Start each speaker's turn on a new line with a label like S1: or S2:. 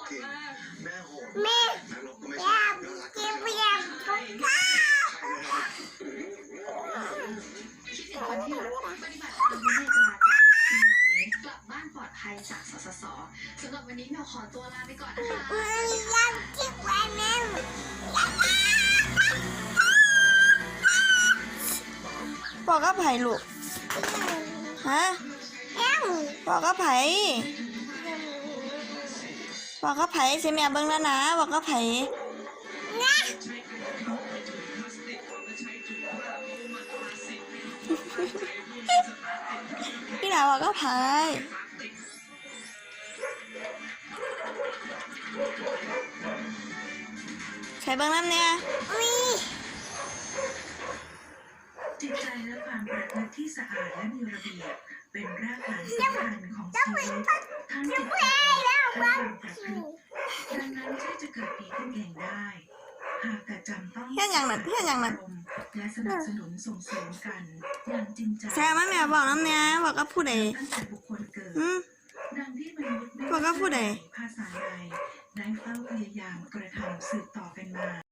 S1: จริงแม่โหด
S2: แม่
S1: นรกก็ไม่
S2: อ
S1: ใช่
S2: ยาก
S1: น่ารัก
S2: กินเบียร์ทุกข้าว
S3: คิดถึงคนที่รักปฏิบัติตามวินัยจราจรปีใหม่นี้กลับบ้านปลอดภัยจากสสสสำหรับวันนี้เราขอตัวลาไปก่อนนะคะ
S2: อยากกินแบบนั้น
S4: บอกกับไผ่ลูกฮะ
S2: เอ้า
S4: บอกกับไผ่บอกกับไผ่สิแม่เบิ่งแล้วนะบอกกับไผ่
S2: นะ
S4: พี่หลาบอกกับไผ่ใช้เบิ่งน้ำเนี่ย
S2: อุ้ย
S5: จิตใจและความประพฤติที่สะอาดและมีระเบียบเป็นรากฐานสำคัญของชีวิตทั้งจิตใจและความประพฤติดังนั้นที่จะเกิดดีขึ้นเองได้ หากแต่จำต้อง
S4: เฮ็ดหยังน่ะเฮ็ดหยังน่ะ
S5: และสนับสนุนส่งเสริมกันอย่างจริงใจ
S4: แซ่มาแม่บอกน้ำเนี่ยบอกกับผู้ใด
S5: ตั้งแต่บุคคลเกิด
S4: อืม
S5: ดังที่มนุษย์ไม่
S4: บอกกับผู้ใด
S5: ภาษาใดได้เฝ้าพยายามกระทำสืบต่อกันมา